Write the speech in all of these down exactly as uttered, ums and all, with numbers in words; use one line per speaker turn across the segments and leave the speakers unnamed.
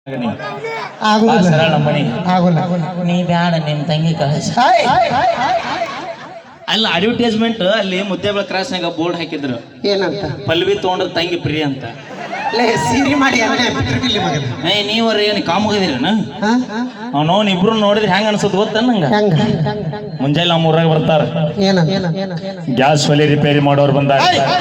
ಸರಳ ಮನಿ ನೀ ಬ್ಯಾಡ ನಿಮ್ ತಂಗಿ ಕಳಿಸ ಅಲ್ಲ ಅಡ್ವರ್ಟೈಸ್ಮೆಂಟ್ ಅಲ್ಲಿ ಮುದ್ದೇಬಳ ಕ್ರಾಸ್ನಾಗ ಬೋರ್ಡ್ ಹಾಕಿದ್ರು
ಏನಂತ
ಪಲ್ವಿ ತಗೊಂಡ್ರ ತಂಗಿ ಪ್ರಿಯ ಅಂತ
ಸೀರಿ ಮಾಡಿ
ಏ ನೀವ್ರ ಏನ್ ಕಾಮಗದಿರನ ಅವ್ನವ್ನ ಇಬ್ರು ನೋಡಿದ್ರೆ ಹೆಂಗ ಅನ್ಸತ್ ಗೊತ್ತ ನಂಗ ಮುಂಜಾನೆ ನಮ್ಮ ಊರಾಗ ಬರ್ತಾರ ಗ್ಯಾಸ್ ಒಲೆ ರಿಪೇರಿ ಮಾಡೋರು ಬಂದಾರ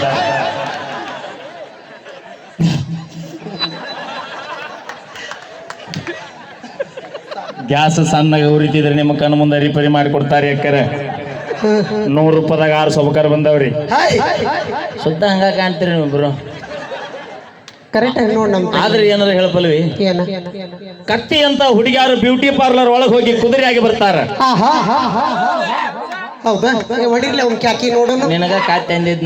ಗ್ಯಾಸ್ ಸಣ್ಣಗೆ ಉರಿತಿದ್ರೆ ನಿಮ್ಮ ಕಣ್ಣು ಮುಂದೆ ರಿಪೇರಿ ಮಾಡಿ ಕೊಡ್ತಾರೆ ಯಾಕರೆ ನೂರು ರೂಪಾಯಿದಾಗ ಆರು ಸೌಕರ್ ಬಂದವ್ರಿ ಸುತ್ತ ಹಂಗ ಕಾಣ್ತೀರಿ ನೀವಿಬ್ರು
ಕರೆಕ್ಟ್ ಆಗಿ ನೋಡ್ ನಮ್
ಆದ್ರೆ ಏನಾರ ಹೇಳಪಲ್ವಿ ಕತ್ತಿ ಅಂತ ಹುಡುಗಿಯಾರು ಬ್ಯೂಟಿ ಪಾರ್ಲರ್ ಒಳಗೆ ಹೋಗಿ ಕುದುರೆಯಾಗಿ ಬರ್ತಾರ
ಹೌದಾ ಹೊಡಿರ್ಲಿ ಅವ್ನ ಕ್ಯಾಕಿ ನೋಡೋಣ
ನಿನಗ ಕತ್ತಿ ಅಂದಿದ್ನ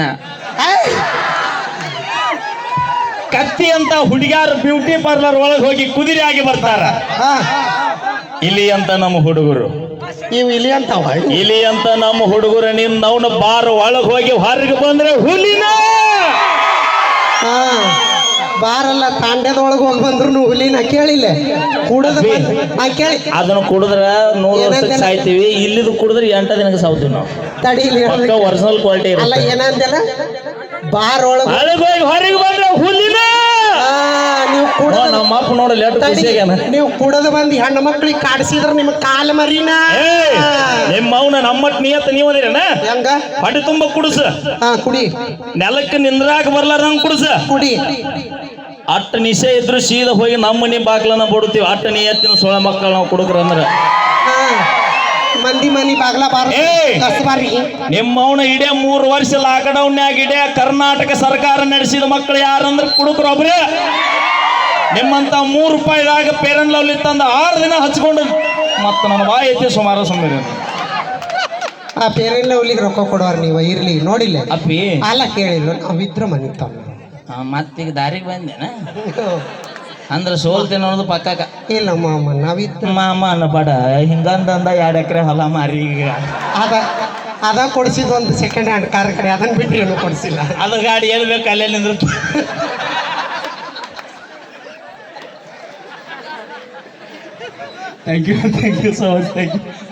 ಕತ್ತಿ ಅಂತ ಹುಡುಗಿಯಾರು ಬ್ಯೂಟಿ ಪಾರ್ಲರ್ ಒಳಗೆ ಹೋಗಿ ಕುದುರೆಯಾಗಿ ಬರ್ತಾರ ಇಲಿ ಅಂತ ನಮ್ಮ ಹುಡುಗರು
ನೀವು ಇಲಿ ಅಂತ
ಇಲಿ ಅಂತ ನಮ್ಮ ಹುಡುಗರು ನಿನ್ನ ಅವನ ಬಾರ್ ಒಳಗೆ ಹೋಗಿ ಹೊರಗೆ ಬಂದ್ರೆ ಹುಲಿನ
ಬಾರಲ್ಲ ತಾಂಡ್ಯದೊಳಗೆ ಹೋಗಿ ಬಂದ್ರು ಹುಲಿನ ಕೇಳಿಲ್ಲ ಕುಡದ ಕೇಳಿ
ಅದನ್ನು ಕುಡಿದ್ರ ನೂರು ವರ್ಷಕ್ಕೆ ಸಾಯ್ತೀವಿ ಇಲ್ಲಿದು ಕುಡಿದ್ರೆ ಎಂಟ ದಿನಕ್ಕೆ ಸಾವ್ತೀವಿ ನಾವು
ತಡೀಲಿ
ಒರಿಜಿನಲ್ ಕ್ವಾಲಿಟಿ
ಅಲ್ಲ ಏನಂತೆಲ್ಲ ಬಾರ್ ಒಳಗೆ
ಹೋಗಿ ಹೊರಗೆ ಬಂದ್ರೆ ಹುಲಿನ
ನೀವು ಕೂಡ
ನಮ್ಮ ಅಪ್ಪ ನೋಡಲ್ಲ
ನೀವು ಕುಡದ ಬಂದು ಹೆಣ್ಣು ಮಕ್ಳಿಗೆ ಕಾಡಿಸಿದ್ರ ನಿಮ್ ಕಾಲ ಮರಿನ
ನಿಮ್ಮ ಅವನ ನಮ್ಮಟ್ ನಿಯತ್ ನೀವು ಅದಿರನ
ಹೆಂಗ
ಹೊಟ್ಟೆ ತುಂಬ ಕುಡಿಸ
ಹಾ ಕುಡಿ
ನೆಲಕ್ಕೆ ನಿಂದ್ರಾಕ ಬರ್ಲಾರಂಗ್ ಕುಡಿಸ
ಕುಡಿ
ಅಟ್ಟ ನಿಶೆ ಇದ್ರು ಸೀದಾ ಹೋಗಿ ನಮ್ಮ ಮನಿ ಬಾಗ್ಲನ್ನ ಬಿಡ್ತೀವಿ ಅಟ್ಟ ನಿಯತ್ತಿನ ಸೊಳ ಮಕ್ಕಳು ನಾವು ಕುಡುಕ್ರ ಅಂದ್ರ
ಮಂದಿ ಮನಿ ಬಾಗ್ಲ ಬಾರ
ನಿಮ್ಮ ಅವನ ಇಡೇ ಮೂರು ವರ್ಷ ಲಾಕ್ಡೌನ್ ಇಡೇ ಕರ್ನಾಟಕ ಸರ್ಕಾರ ನಡೆಸಿದ ಮಕ್ಕಳು ಯಾರಂದ್ರ ಕುಡುಕ್ರು ಒಬ್ರೆ ನಿಮ್ಮಂತ ಮೂರು ರೂಪಾಯಿದಾಗ ಪೇರನ್ ಲವ್ಲಿ ತಂದ ಆರು ದಿನ ಹಚ್ಕೊಂಡು ಮತ್ತ ನನ್ನ ಬಾಯಿ ಐತಿ ಸುಮಾರು ಸುಮ್ಮನೆ
ಆ ಪೇರನ್ ಲವ್ಲಿಗೆ ರೊಕ್ಕ ಕೊಡೋರ್ ನೀವು ಇರ್ಲಿ ನೋಡಿಲ್ಲ
ಅಪ್ಪಿ
ಅಲ್ಲ ಕೇಳಿಲ್ಲ ನಾವಿದ್ರ ಮನಿ ತಮ್ಮ
ಮತ್ತೀಗ ದಾರಿಗೆ ಬಂದೇನ ಅಂದ್ರೆ ಸೋಲ್ತೇನೆ ಅನ್ನೋದು ಪಕ್ಕ
ಇಲ್ಲ ಮಾಮ ನಾವಿದ್ರ
ಮಾಮ ಅನ್ನಬೇಡ ಹಿಂಗಂದ ಎರಡು ಎಕರೆ ಹೊಲ ಮಾರಿ ಈಗ
ಅದ ಅದ ಕೊಡಿಸಿದ ಒಂದು ಸೆಕೆಂಡ್ ಹ್ಯಾಂಡ್ ಕಾರ್ ಕಡೆ ಅದನ್ನ ಬಿಟ್ಟು ಏನು ಕೊಡಿಸಿಲ್ಲ
ಅದ ಗಾಡಿ ಎಲ್ಲಿ ಬೇಕು ಅಲ್ಲೇ ನಿಂದ್ರ thank you thank you so much thank you